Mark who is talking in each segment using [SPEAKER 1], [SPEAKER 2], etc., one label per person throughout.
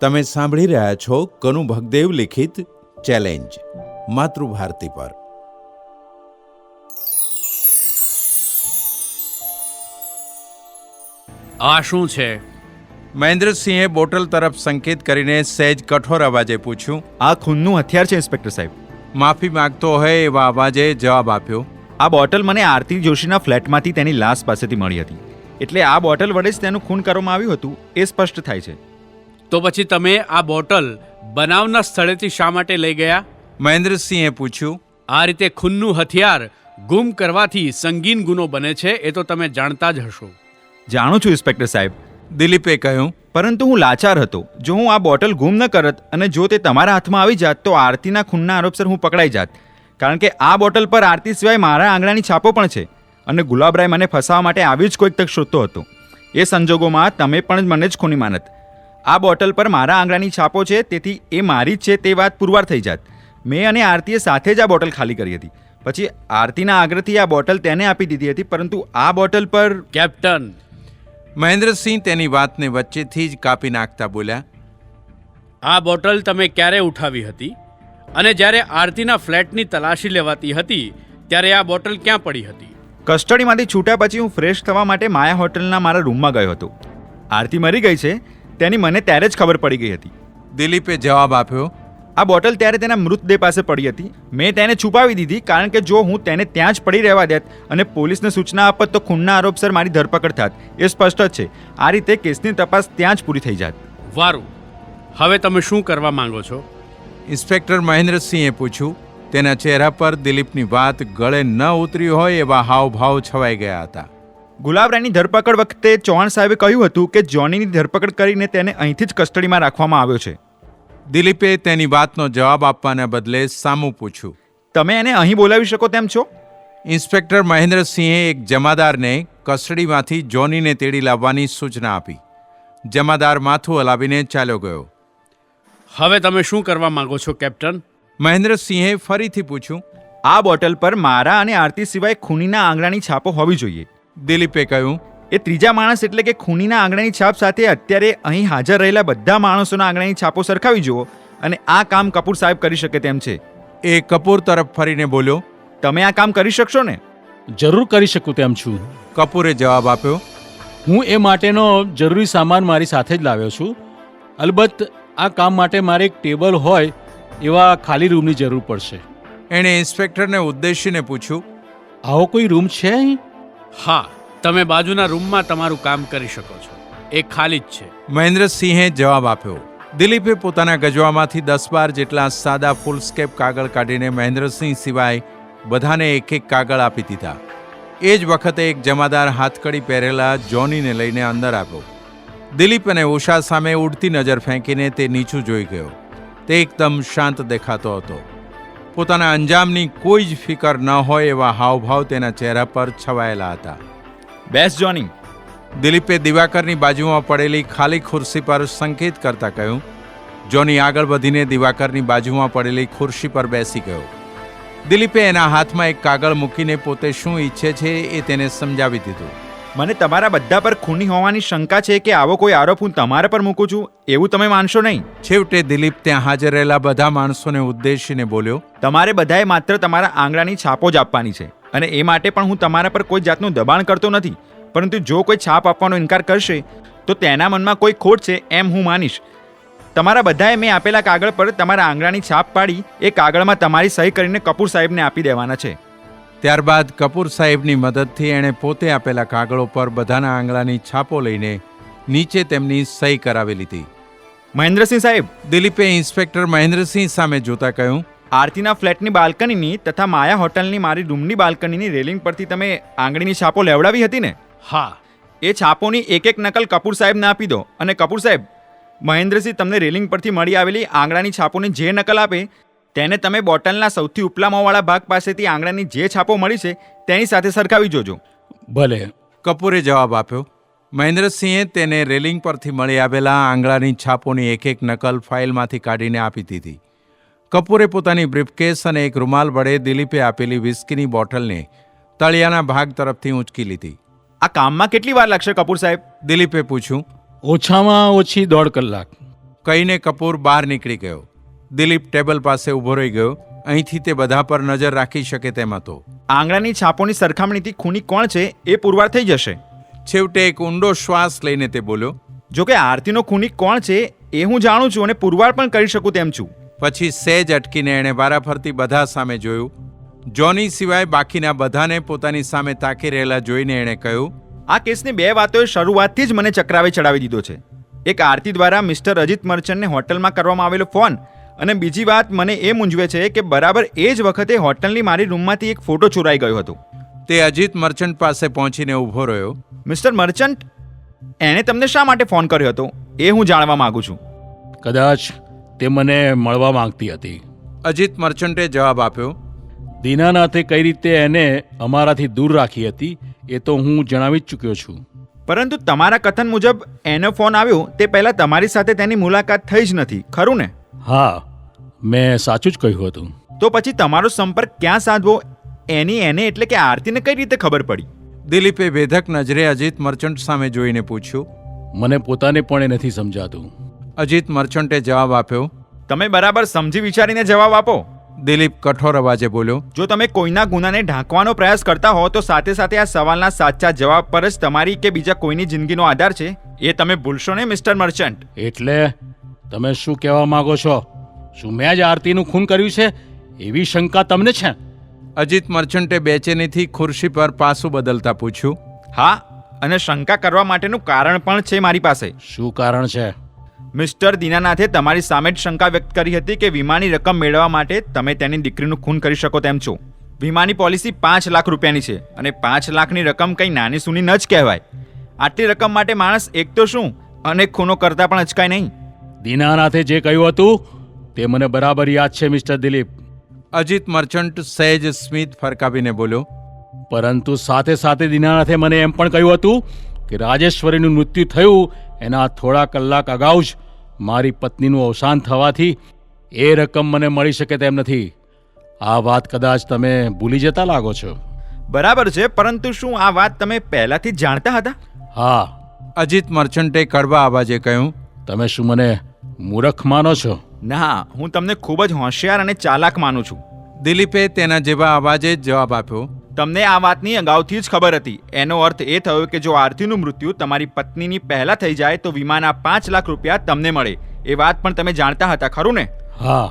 [SPEAKER 1] તમે સાંભળી રહ્યા છો કનુ ભગદેવ લિખિત ચેલેન્જ માતૃભારતી પર.
[SPEAKER 2] આ શું છે?
[SPEAKER 1] મહેન્દ્રસિંહે બોટલ તરફ સંકેત કરીને સહેજ કઠોર અવાજે પૂછ્યું.
[SPEAKER 3] આ ખૂનનું હથિયાર છે ઇન્સ્પેક્ટર સાહેબ.
[SPEAKER 1] માફી માંગતો હોય એવા અવાજે જવાબ આપ્યો.
[SPEAKER 3] આ બોટલ મને આરતી જોશીના ફ્લેટમાંથી તેની લાશ પાસેથી મળી હતી, એટલે આ બોટલ વડે જ તેનું ખૂન કરવામાં આવ્યું હતું એ સ્પષ્ટ થાય છે.
[SPEAKER 2] તો પછી તમે આ બોટલ બનાવના સ્થળેથી શા માટે લઈ ગયા?
[SPEAKER 1] મહેન્દ્રસિંહે પૂછ્યું.
[SPEAKER 2] આ રીતે ખૂનનું હથિયાર ગુમ કરવાથી સંગીન ગુનો બને છે, એ તો તમે જાણતા જ હશો.
[SPEAKER 3] જાણું છું ઇન્સ્પેક્ટર સાહેબ,
[SPEAKER 1] દિલીપે કહ્યું.
[SPEAKER 3] પરંતુ હું લાચાર હતો. જો હું આ બોટલ ગુમ ન કરત અને જો તે તમારા હાથમાં આવી જાત તો આરતીના ખૂનના આરોપસર હું પકડાઈ જાત, કારણ કે આ બોટલ પર આરતી સિવાય મારા આંગળાની છાપો પણ છે અને ગુલાબરાય મને ફસાવવા માટે આવી જ કોઈક તક શોધતો હતો. એ સંજોગોમાં તમે પણ મને જ ખૂની માનત. આ બોટલ પર મારા આંગળાની છાપો છે, તેથી એ મારી જ છે તે વાત પુરવાર થઈ જાત. મેં અને આરતીએ સાથે જ આ બોટલ ખાલી કરી હતી. પછી આરતીના આગ્રહથી આ બોટલ તેને આપી દીધી હતી, પરંતુ આ બોટલ પર...
[SPEAKER 2] કેપ્ટન,
[SPEAKER 1] મહેન્દ્રસિંહ તેની વાતને વચ્ચેથી જ કાપી નાખતા બોલ્યા.
[SPEAKER 2] આ બોટલ તમે ક્યારે ઉઠાવી હતી? અને જ્યારે આરતીના ફ્લેટની તલાશી લેવાતી હતી ત્યારે આ બોટલ ક્યાં પડી હતી?
[SPEAKER 3] કસ્ટડીમાંથી છૂટ્યા પછી હું ફ્રેશ થવા માટે માયા હોટલના મારા રૂમમાં ગયો હતો. આરતી મરી ગઈ છે તેની મને ત્યારે જ ખબર પડી ગઈ હતી.
[SPEAKER 1] દિલીપે જવાબ આપ્યો.
[SPEAKER 3] આ બોટલ ત્યારે તેના મૃતદેહ પાસે પડી હતી. મેં તેને છુપાવી દીધી, કારણ કે જો હું તેને ત્યાં જ પડી રહેવા દેત અને પોલીસને સૂચના આપત તો ખૂનના આરોપસર મારી ધરપકડ થાત. એ સ્પષ્ટ જ છે. આ રીતે કેસની તપાસ ત્યાં જ પૂરી થઈ જાત.
[SPEAKER 2] વારું, હવે તમે શું કરવા માંગો છો?
[SPEAKER 1] ઇન્સ્પેક્ટર મહેન્દ્રસિંહે પૂછ્યું. તેના ચહેરા પર દિલીપની વાત ગળે ન ઉતરી હોય એવા હાવભાવ છવાઈ ગયા હતા.
[SPEAKER 3] ગુલાબરાયની ધરપકડ વખતે ચૌહાણ સાહેબે કહ્યું હતું કે જોનીની ધરપકડ કરીને તેને અહીંથી જ કસ્ટડીમાં રાખવામાં આવ્યો છે.
[SPEAKER 1] દિલીપે તેની વાતનો જવાબ આપવાના બદલે સામું પૂછ્યું.
[SPEAKER 3] તમે એને અહીં બોલાવી શકો તેમ છો?
[SPEAKER 1] ઇન્સ્પેક્ટર મહેન્દ્રસિંહે એક જમાદારને કસ્ટડીમાંથી જોનીને તેડી લાવવાની સૂચના આપી. જમાદાર માથું હલાવીને ચાલ્યો ગયો.
[SPEAKER 2] હવે તમે શું કરવા માંગો છો કેપ્ટન?
[SPEAKER 1] મહેન્દ્રસિંહે ફરીથી પૂછ્યું.
[SPEAKER 3] આ બોટલ પર મારા અને આરતી સિવાય ખૂનીના આંગળાની છાપો હોવી જોઈએ.
[SPEAKER 1] દિલીપે કહ્યું.
[SPEAKER 3] એ ત્રીજા માણસ એટલે કે ખૂનીના આંગળાની છાપ સાથે અત્યારે અહીં હાજર રહેલા બધા માણસોના આંગળાની છાપો સરખાવી જુઓ અને આ કામ કપૂર સાહેબ કરી શકે તેમ છે.
[SPEAKER 1] એ કપૂર તરફ ફરીને બોલ્યો.
[SPEAKER 3] તમે આ કામ કરી શકશો ને?
[SPEAKER 4] જરૂર કરી શકું તેમ છું.
[SPEAKER 1] કપૂરે જવાબ આપ્યો.
[SPEAKER 4] હું એ માટેનો જરૂરી સામાન મારી સાથે જ લાવ્યો છું. અલબત્ત આ કામ માટે મારે એક ટેબલ હોય એવા ખાલી રૂમની જરૂર પડશે.
[SPEAKER 1] એણે ઇન્સ્પેક્ટરને ઉદ્દેશીને પૂછ્યું.
[SPEAKER 4] આવો કોઈ રૂમ છે અહીં?
[SPEAKER 2] હા, તમે બાજુના રૂમમાં તમારું કામ કરી શકો છો. એ ખાલી જ છે.
[SPEAKER 1] મહેન્દ્રસિંહે જવાબ આપ્યો. દિલીપે પોતાના ગજવામાંથી 10-12 જેટલા સાદા ફૂલસ્કેપ કાગળ કાઢીને મહેન્દ્રસિંહ સિવાય બધાને એક એક કાગળ આપી દીધા. એ જ વખતે એક જમાદાર હાથકડી પહેરેલા જોનીને લઈને અંદર આવ્યો. દિલીપ અને ઉષા સામે ઉડતી નજર ફેંકીને તે નીચું જોઈ ગયો. તે એકદમ શાંત દેખાતો હતો. પોતાના અંજામની કોઈ જ ફિકર ન હોય એવા હાવભાવ તેના ચહેરા પર છવાયેલા હતા.
[SPEAKER 3] બેસ જોની.
[SPEAKER 1] દિલીપે દિવાકરની બાજુમાં પડેલી ખાલી ખુરશી પર સંકેત કરતા કહ્યું. જોની આગળ વધીને દિવાકરની બાજુમાં પડેલી ખુરશી પર બેસી ગયો. દિલીપે એના હાથમાં એક કાગળ મૂકીને પોતે શું ઈચ્છે છે એ તેને સમજાવી દીધું.
[SPEAKER 3] મને તમારા બધા પર ખૂની હોવાની શંકા છે કે આવો કોઈ આરોપ હું તમારા પર મૂકું છું એવું તમે માનશો નહીં.
[SPEAKER 1] છેવટે દિલીપ ત્યાં હાજર રહેલા બધા માણસોને ઉદ્દેશીને બોલ્યો.
[SPEAKER 3] તમારે બધાએ માત્ર તમારા આંગળાની છાપો જ આપવાની છે અને એ માટે પણ હું તમારા પર કોઈ જાતનું દબાણ કરતો નથી. પરંતુ જો કોઈ છાપ આપવાનો ઇનકાર કરશે તો તેના મનમાં કોઈ ખોટ છે એમ હું માનીશ. તમારા બધાએ મેં આપેલા કાગળ પર તમારા આંગળાની છાપ પાડી એ કાગળમાં તમારી સહી કરીને કપૂર સાહેબને આપી દેવાના છે.
[SPEAKER 1] ત્યારબાદ કપૂર સાહેબની મદદથી એણે પોતે આપેલા કાગળો પર બધાના આંગળાની છાપો લઈને નીચે તેમની સહી કરાવી લીધી.
[SPEAKER 3] મહેન્દ્રસિંહ સાહેબ,
[SPEAKER 1] દિલીપે ઇન્સ્પેક્ટર મહેન્દ્રસિંહ સામે જોતા કહ્યું.
[SPEAKER 3] આરતીના ફ્લેટની બાલ્કનીની તથા માયા હોટલની મારી રૂમની બાલ્કનીની રેલિંગ પરથી તમે આંગળીની છાપો લેવડાવી હતી ને?
[SPEAKER 2] હા.
[SPEAKER 3] એ છાપોની એક એક નકલ કપૂર સાહેબને આપી દો અને કપૂર સાહેબ, મહેન્દ્રસિંહ તમને રેલિંગ પરથી મળી આવેલી આંગળાની છાપોની જે નકલ આપે તેને તમે બોટલના સૌથી ઉપલામાંવાળા ભાગ પાસેથી આંગળાની જે છાપો મળી છે તેની સાથે સરખાવી જોજો.
[SPEAKER 4] ભલે.
[SPEAKER 1] કપૂરે જવાબ આપ્યો. મહેન્દ્રસિંહે તેને રેલિંગ પરથી મળી આવેલા આંગળાની છાપોની એક એક નકલ ફાઇલમાંથી કાઢીને આપી દીધી. કપૂરે પોતાની બ્રીફકેસ અને એક રૂમાલ વડે દિલીપે આપેલી વિસ્કીની બોટલને તળિયાના ભાગ તરફથી ઊંચકી લીધી.
[SPEAKER 3] આ કામમાં કેટલી વાર લાગશે કપૂર સાહેબ?
[SPEAKER 1] દિલીપે પૂછ્યું.
[SPEAKER 4] ઓછામાં ઓછી 1.5 કલાક.
[SPEAKER 1] કહીને કપૂર બહાર નીકળી ગયો. દિલીપ ટેબલ પાસે ઊભો રહી ગયો. અહીંથી તે બધા પર નજર રાખી શકે તેમ હતો.
[SPEAKER 3] આંગળાની છાપોની સરખામણીથી ખૂની કોણ છે એ પુરવાર થઈ જશે.
[SPEAKER 1] છેવટે એક ઊંડો શ્વાસ લઈને તે બોલ્યો.
[SPEAKER 3] જો કે આરતીનો ખૂની કોણ છે એ હું જાણું છું અને પુરવાર પણ કરી શકું તેમ છું.
[SPEAKER 1] પછી સહેજ અટકીને એણે વારાફરતી બધા સામે જોયું. જોની સિવાય બાકીના બધાને પોતાની સામે તાકી રહેલા જોઈને એણે કહ્યું,
[SPEAKER 3] આ કેસની બે વાતોએ શરૂઆતથી જ મને ચક્રાવે ચડાવી દીધો છે. એક આરતી દ્વારા મિસ્ટર અજીત મર્ચન્ટને હોટલમાં કરવામાં આવેલો ફોન, અને બીજી વાત મને એ મૂંઝવે છે કે બરાબર એ જ વખતે હોટલની મારી રૂમમાંથી એક ફોટો ચોરાઈ ગયો હતો.
[SPEAKER 1] તે અજીત મર્ચન્ટ પાસે પહોંચીને ઊભો રહ્યો.
[SPEAKER 3] મિસ્ટર મર્ચન્ટ, એણે તમને શા માટે ફોન કર્યો હતો એ હું જાણવા માંગુ છું.
[SPEAKER 4] કદાચ તે મને મળવા માંગતી હતી.
[SPEAKER 1] અજીત મર્ચન્ટે જવાબ આપ્યો.
[SPEAKER 4] દીનાનાથે કઈ રીતે એને અમારાથી દૂર રાખી હતી એ તો હું જણાવી જ ચૂક્યો છું.
[SPEAKER 3] પરંતુ તમારા કથન મુજબ એનો ફોન આવ્યો તે પહેલાં તમારી સાથે તેની મુલાકાત થઈ જ નથી, ખરું ને?
[SPEAKER 4] હા, મેં સાચું જ કહ્યું હતું.
[SPEAKER 3] તો પછી તમારો સંપર્ક ક્યાં સાધવો એને એટલે કે આરતીને કઈ રીતે ખબર પડી?
[SPEAKER 1] દિલીપે વેધક નજરે અજીત મર્ચન્ટ સામે જોઈને પૂછ્યું.
[SPEAKER 4] મને પોતાને પણ એ નથી સમજાતું.
[SPEAKER 1] અજીત મર્ચન્ટે જવાબ આપ્યો.
[SPEAKER 3] તમે બરાબર સમજી વિચારીને જવાબ આપો.
[SPEAKER 1] દિલીપ કઠોર અવાજે બોલ્યો.
[SPEAKER 3] જો તમે કોઈના ગુનાને ઢાંકવાનો પ્રયાસ કરતા હો તો સાથે સાથે આ સવાલના સાચા જવાબ પર જ તમારી કે બીજા કોઈની જિંદગીનો આધાર છે એ તમે ભૂલશો ને મિસ્ટર મર્ચન્ટ.
[SPEAKER 4] એટલે તમે શું કહેવા માંગો છો? શું મેં જ આરતીનું ખૂન કર્યું છે એવી શંકા તમને છે?
[SPEAKER 1] અજીત મર્ચન્ટે બેચેનીથી ખુરશી પર પાસું બદલતા પૂછ્યું.
[SPEAKER 3] હા, અને શંકા કરવા માટેનું કારણ પણ છે મારી પાસે.
[SPEAKER 4] શું કારણ છે?
[SPEAKER 3] મિસ્ટર દીનાનાથે તમારી સામે જ શંકા વ્યક્ત કરી હતી કે વીમાની રકમ મેળવવા માટે તમે તેની દીકરીનું ખૂન કરી શકો તેમ છો. વીમાની પોલિસી 5 લાખ રૂપિયાની છે અને 5 લાખની રકમ કંઈ નાની સૂની ન જ કહેવાય. આટલી રકમ માટે માણસ એક તો શું અનેક ખૂનો કરતા પણ અચકાય નહીં.
[SPEAKER 4] દીનાનાથે જે કહ્યું હતું તે મને બરાબર યાદ છે મિસ્ટર દિલીપ.
[SPEAKER 1] અજીત મર્ચન્ટ સહેજ સ્મિત ફરકાવીને બોલ્યો.
[SPEAKER 4] પરંતુ સાથે સાથે દીનાનાથે મને એમ પણ કહ્યું હતું કે રાજેશ્વરીનું મૃત્યુ થયું એના થોડા કલાક અગાઉ જ મારી પત્નીનું અવસાન થવાથી એ રકમ મને મળી શકે તેમ નથી. આ વાત કદાચ તમે ભૂલી જતા લાગો છો.
[SPEAKER 3] બરાબર છે, પરંતુ શું આ વાત તમે પહેલાથી જ જાણતા હતા?
[SPEAKER 4] હા.
[SPEAKER 1] અજીત મર્ચન્ટે કડવા અવાજે કહ્યું.
[SPEAKER 4] તમે શું મને મૂર્ખ માનો છો?
[SPEAKER 3] ના, હું તમને ખૂબ જ હોશિયાર અને ચાલાક માનું છું.
[SPEAKER 1] દિલીપે તેના જેવા અવાજે જ જવાબ આપ્યો.
[SPEAKER 3] તમને આ વાતની અગાઉથી જ ખબર હતી. એનો અર્થ એ થયો કે જો આરતીનું મૃત્યુ તમારી પત્નીની પહેલા થઈ જાય તો વીમાના 5 લાખ રૂપિયા તમને મળે. એ વાત પણ તમે જાણતા હતા, ખરું ને?
[SPEAKER 4] હા.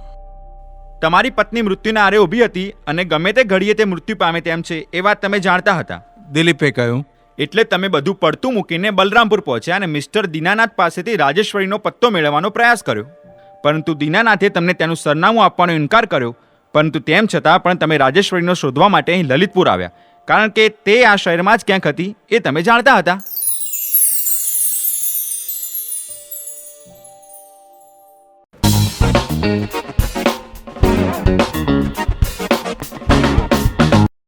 [SPEAKER 3] તમારી પત્ની મૃત્યુના આરે ઊભી હતી અને ગમે તે ઘડીએ તે મૃત્યુ પામે તેમ છે એ વાત તમે જાણતા હતા.
[SPEAKER 1] દિલીપે કહ્યું.
[SPEAKER 3] એટલે તમે બધું પડતું મૂકીને બલરામપુર પહોંચ્યા અને મિસ્ટર દીનાનાથ પાસેથી રાજેશ્વરીનો પત્તો મેળવવાનો પ્રયાસ કર્યો. પરંતુ દીનાનાથે તમને તેનું સરનામું આપવાનો ઇનકાર કર્યો. પરંતુ તેમ છતાં પણ તમે રાજેશ્વરીનો શોધવા માટે અહીં લલિતપુર આવ્યા, કારણ કે તે આ શહેરમાં જ ક્યાંક હતી એ તમે જાણતા હતા.